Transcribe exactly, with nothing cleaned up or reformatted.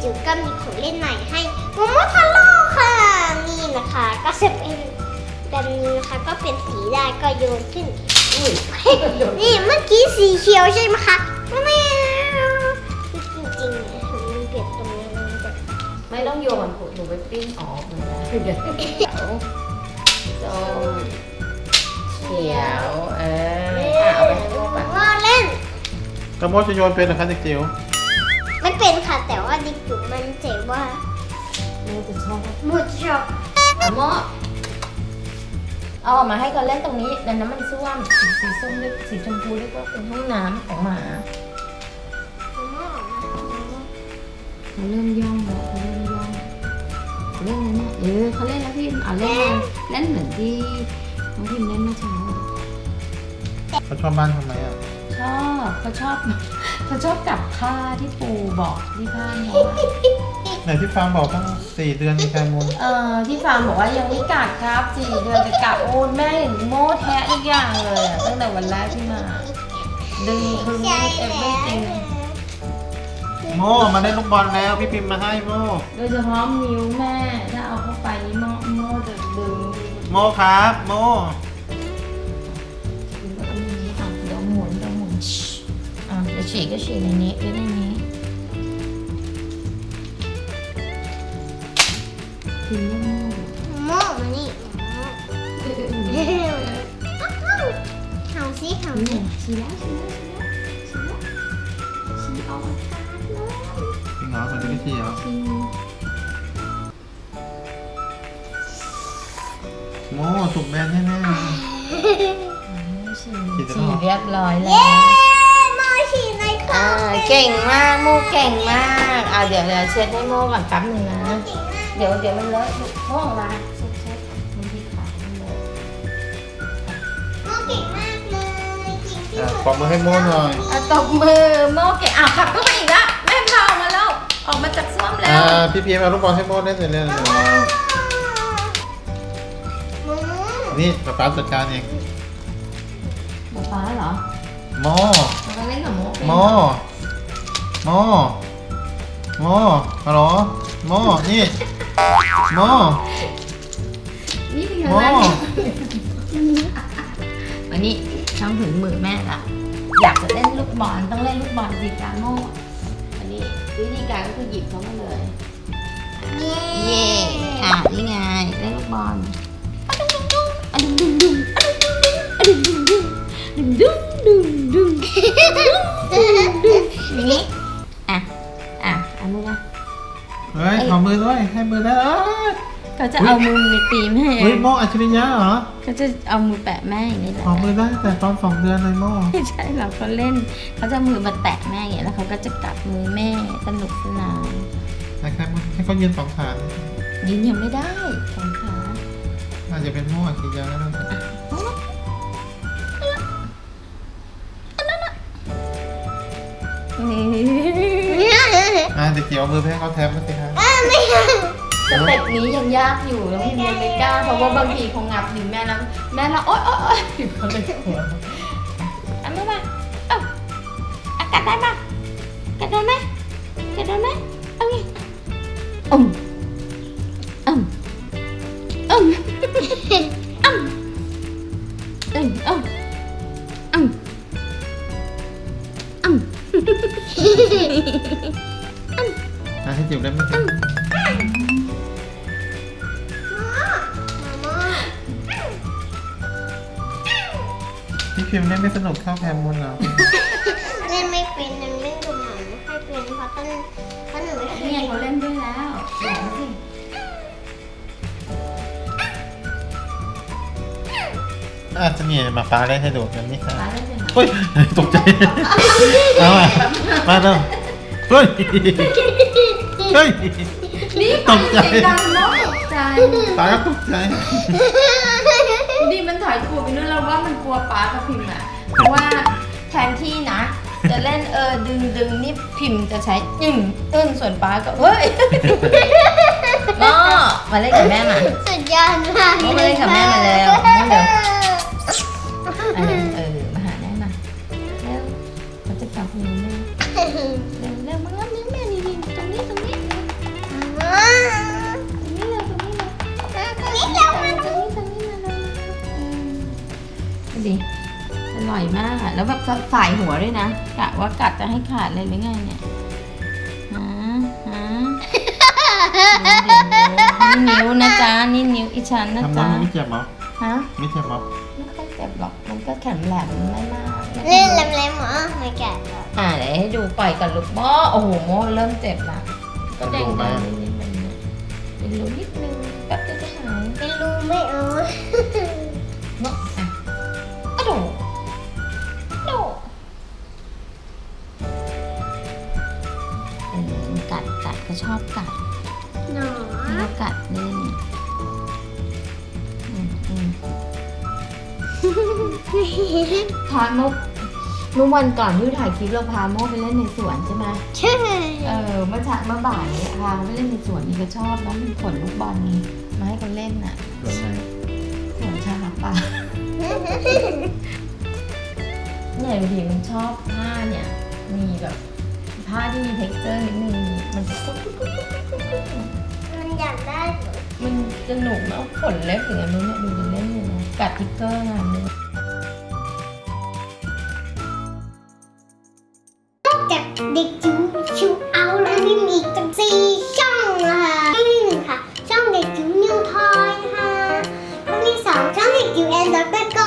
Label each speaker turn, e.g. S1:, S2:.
S1: จิ๋วก็มีของเล่นใหม่ให้โมโมทาโร่ค่ะนี่นะคะก็จะเป็นแบบนี้นะคะก็เป็นสีได้ก็โยนขึ้นนี่นี่เมื่อกี้สีเขียวใช่ไหมคะไม่จริงๆเนี่ยมันเปลี่ยนตรงนี้มันจะ
S2: ไม่ต้องโยนหนูไปปิ้งออกมันนะเดี๋ยวเขียวส้มเขียวเออค่ะเอาไปให้โมก่อน
S1: ว่าเล่น
S3: กระโมจะโยนเป็นนะคะเด็กจิ๋ว
S1: ไม่เป็นค่ะแต่ว่าดิจุมันเจ๋งว่า
S2: โมจะชอบ
S1: หมุดช็อก
S2: เอาโมเอาออกมาให้เขาเล่นตรงนี้ดังนั้นมันส้วมสีสีส้มเรียกสีชมพูเรียกว่าเป็นห้องน้ำของหมาเขาเริ่มย่องแล้วเขาเริ่มย่องเล่นแล้วเนี่ยเออเขาเล่นแล้วพี่เอาเล่นเล่นเหมือนที่น้องพิมเล่นเมื่อเช้า
S3: เขาชอบบ้านทำไมอ่ะ
S2: ชอบเขาชอบเขาชอบกับผ้าที่ปูบอกที่ผ้าเนาะ
S3: ไหนที่ฟางบอกตั้งสี่เดือนมีแคมูล
S2: เออที่ฟาร์มบอกว่ายังไม่กัดครับสี่เดือนจะกัดโอ้แม่เห็นโม่แทะทุกอย่างเลยอะตั้งแต่วันแรกที่มาดึงพึง
S1: ใช่
S2: เอฟ
S1: แล้
S2: เวอร์ติง
S3: โมมาได้ลูกบอลแล้วพี่พิมพ์มาให้โม
S2: โดยเฉพาะนิ้วแม่ถ้าเอาเข้าไปนี่โม่โม่จะดึง
S3: โมครับโม
S2: อันนี้อ่ะเดี๋ยวหมุนเดี๋ยวหมุนชิอ่ะเดี๋ยวฉีกก็ฉีกในนี้ด้วยในนี้ถึงโม่
S1: โม่มานี่เห่าซิเห่า
S2: นี่
S1: ซิ
S2: ฉีกแล้วฉีกแล้วฉีกแล้วฉีกแล้วฉีกเอามาทานเลย
S3: จริงเหรอคนที่พี่เหรอ
S2: ฉีก
S3: โมถูกแบนแน่
S2: ฉีดฉีดเรียบร้อยแล้
S1: เย้
S2: ว
S1: โม่ฉีดในคอ
S2: อ่าเก่งมากโมเก่งมากอ่าเดี๋ยวเดี๋ยวเช็ดให้โมก่อนแป๊บหนึงนะ เดี๋ยวเดี๋ยวมันเลอะโมของเราเช็ดเช็ดมันที่ขามันเลอะ
S1: โม่เก่งมากเลยจริง
S3: ๆ
S1: ที่
S3: อ่ะ
S1: สุด
S3: ปอบมือให้โมหน่อย
S2: อ่ะตบมือโมเก่งอ่ะขับเข้าไปอีกแล้วแม่พาออกมาแล้วออกมาจากซ่วมแล้
S3: อ่าว พี่พิมพ์เอาลูกบอลให้โมเล่นเสร็จแล้ว
S1: โม่
S3: นี่ป๊าป๊าจัดการเอง
S2: หมดฟ้าเหรอ
S3: โม
S2: มันก็เล่นกับโมเป็น
S3: โมโมโมฮัลโหลโมนี่โม
S2: นี่เป็นไง
S3: โม
S2: บ้างวันนี้ช่างถึงมือแม่ละอยากจะเล่นลูกบอลต้องเล่นลูกบอลสิการโมอันนี้วิธีการก็คือหยิบเขามาเลย
S1: เย้
S2: เย่อ่ะนี่ไงเล่นลูกบอลอะดุงดุงดุงอะดุงดุงดุงอะดุงดุงดุงดุงดุงดุงอย่างนี้อ่ะอ่ะเอามือมา
S3: เฮ้ยขอมือด้วยให้มือได้เอ้ย
S2: เขาจะเอามือไปตีแม่
S3: เฮ้ยโมอัจฉริยะเหรอ
S2: เขาจะเอามือแปะแม่อย่างนี้แหละ
S3: ขอมือได้แต่ตอนสองเดือนเลยโม
S2: ไม่ใช่หรอกเขาเล่นเขาจะเอามือมาแตะแม่อย่างนี้แล้วเขาก็จะกัดมือแม่สนุกสนาน
S3: นะครับให้เขายืนสองขา
S2: ยืนยังไม่ได้สองขา
S3: อาจจะเป็นโมอัจฉริยะแล้วนะ
S2: นี่
S3: อ่าเด็กเกี่ยวมือไปให้เขาแทบมาสิครับ
S1: ไม่เอา
S2: สเต็ปนี้ยังยากอยู่แล้วพี่ยังไม่กล้าเพราะว่าบางทีเขางับหรือแม่แล้วแม่เราโอ๊ยโอ๊ยโอ๊ยเขาเลยกลัวอันนี้มาเอ้าอ่ะกัดได้ปะกัดโดนไหมกัดโดนไหมเอาไงอืมอืมอืมอืมอืมอืมอืมอืม
S3: อ่ะให้จิ๋วเล่นมาสิ
S1: โม่
S3: พี่พิมพ์เล่นไม่สนุกเท่าแคมูลเหรอ
S1: เล่นไม่เป็นเล่นไม่ดูหนังไม่ค่อยเป็นเพราะต้นเพราะหนูไม่เคย
S2: นี่ไงเขาเล่นด้วยแล้วเดี๋ยวสิ
S3: อาจจะมีมาฟ้าเล่นให้ดูกันนี่ครับ
S2: ฟ้าเล่นเป็นไหม
S3: เฮ้ยตกใจเอามามาเร็วเฮ้ยเฮ้ย
S2: นี่
S3: ตกใจ
S2: เสียงดังเนาะตกใจ
S3: ฟ้าก็ตกใจ
S2: นี่มันถอยตัวไปนู่นแล้วว่ามันกลัวป้ากับพิมพ์อ่ะเพราะว่าแทนที่นะ จะเล่นเออดึงดึงนี่พิมพ์จะใช้อึ้งอึ้งส่วนป้าก็เฮ้ยก็มาเล่นกับแม่มา
S1: สุดยอดมาก
S2: มาเล่นกับแม่มาแล้วมาเร็วอันนั้นเออมาหาแม่มาเร็วเขาจะจับมือแม่เร็วเร็วมางับนิ้วแม่นี่นี่ตรงนี้ตรงนี้ร่อยมากอะแล้วแบบสายหัวด้วยนะกะว่ากัดจะให้ขาดเลยหรือไงเนี่ยฮะฮะนี่นิ้วนะจ๊ะนี่นิ้วอีฉันนะ
S3: ทำ
S2: จ๊ะ
S3: น้ำไม่เจ็บเหรอ
S2: ฮะ
S3: ไม่เจ็บเหรอ
S2: ไม่ค่อยเจ็บหรอกมันก็แข็งแหลมไม่มากไม่
S1: เล่น
S2: ค่อย
S1: แหลมๆเหรอไม่แกะหรอก
S2: อ่าเดี๋ยวให้ดูปล่อยก่อนลูกโม่โอ้โหโม่เริ่มเจ็บละก็แดงๆนิดๆแบบนี้เป็นรูนิดนึงแป๊บเดียวจะหาย
S1: เป็นรูไม่เอา
S2: เนาะอ่ะกระโดดกระโดดเออกัดกัดก็ชอบกัด
S1: หนอ
S2: แล้วกัดเล่นอืมอืมพาโมเมื่อวันก่อนที่ถ่ายคลิปเราพาโมไปเล่นในสวนใช่ไหม
S1: ใช่
S2: เออเมื่อเช้าเมื่อบ่ายเนี่ยพาไปเล่นในสวนนี่ก็ชอบแล้วมีขนลูกบอลมาให้เขาเล่นน่ะ
S3: ส่วนไหน
S2: สวนชาป่าเนี่ยดูดิมันชอบผ้าเนี่ยมีแบบผ้าที่มี texture นิดนึงมันจะกุ๊กกุ๊กกุ๊กกุ๊กกุ๊กกุ๊ก
S1: มันอยากได้เหรอ
S2: มันสนุกนะขนเล็บอย่างนั้นเนี่ยดูจะเล่นเลยนะกัดทิกเกอร์งานเลย
S1: จากเด็กจิ๋วชิวเอาแล้วนี่มีอีกตั้งสี่ช่องนะคะช่องที่หนึ่งค่ะ ช่องเด็กจิ๋วนิวทอยค่ะช่องที่สองช่องเด็กจิ๋วแอนด์ด็อกเตอร์โก